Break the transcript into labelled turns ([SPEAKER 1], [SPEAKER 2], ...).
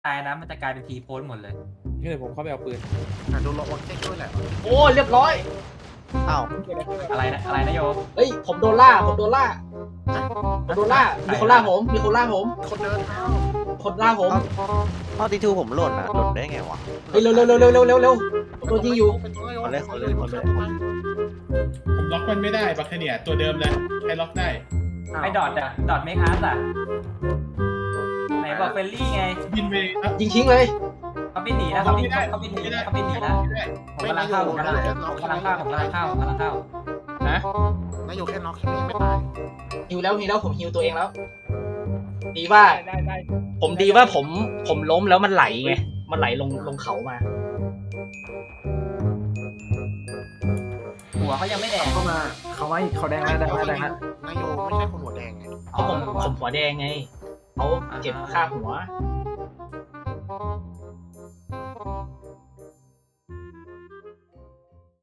[SPEAKER 1] ตายนะมันจะกลายเป็นทีโพสหมดเลย
[SPEAKER 2] นี่เดี๋ยวผมเข้าไปเอาปืน
[SPEAKER 3] โดนล็อกวางเจ๊ด้วยแหละ
[SPEAKER 4] โอ้เรียบร้อย
[SPEAKER 5] อ้าว
[SPEAKER 1] อะไรนะอะไรนะโย
[SPEAKER 4] เฮ้ยผมโดนล่าผมโดนล่าผมโดนล่ามีคนล่าผมมีคนล่าผม
[SPEAKER 3] คนเดินเท้า
[SPEAKER 4] คนล่าผม
[SPEAKER 5] ข้อที่ทูผมหล่นอ่ะหล่นได้ไงวะ
[SPEAKER 4] เฮ้ยเร็วเร็วเร็วเร็วเร็วเร็วเร็วโดนยิงอยู่
[SPEAKER 5] คนเลย
[SPEAKER 2] ผมล็อกมันไม่ได้บัคเนียตัวเดิมเลยใครล็อกได้
[SPEAKER 1] ไอ้ดอทอะดอทเมคอาร์ตอะไหนบอกเฟลลี่ไง
[SPEAKER 2] บินไปครับ
[SPEAKER 4] ยิงทิ้งเลย
[SPEAKER 1] เขาบินหนีนะเขาบินหนีนะผมกำลังเข้าผมกำลังเข้าผมกำลังเข้าผมกำลังเข้าผมกำลังเข้า
[SPEAKER 4] นะ
[SPEAKER 3] นายอยู่แค่น็อกแค่นี้ไม่ตาย
[SPEAKER 4] ฮิวแล้วผมฮิวตัวเองแล้ว ดีว่า ผมดีว่าผมล้มแล้วมันไหลไงมันไหลลงเขามา
[SPEAKER 1] หัวเขายังไม่แดง
[SPEAKER 6] เข้ามาเขาไว้เขาแดงแล้วแดงแล้วแดงแล้ว
[SPEAKER 3] นายโยไม่ใช่คนหัวแดงไง
[SPEAKER 4] เพราะผมหัวแดงไงเขาเก็บค่าหัว
[SPEAKER 1] อ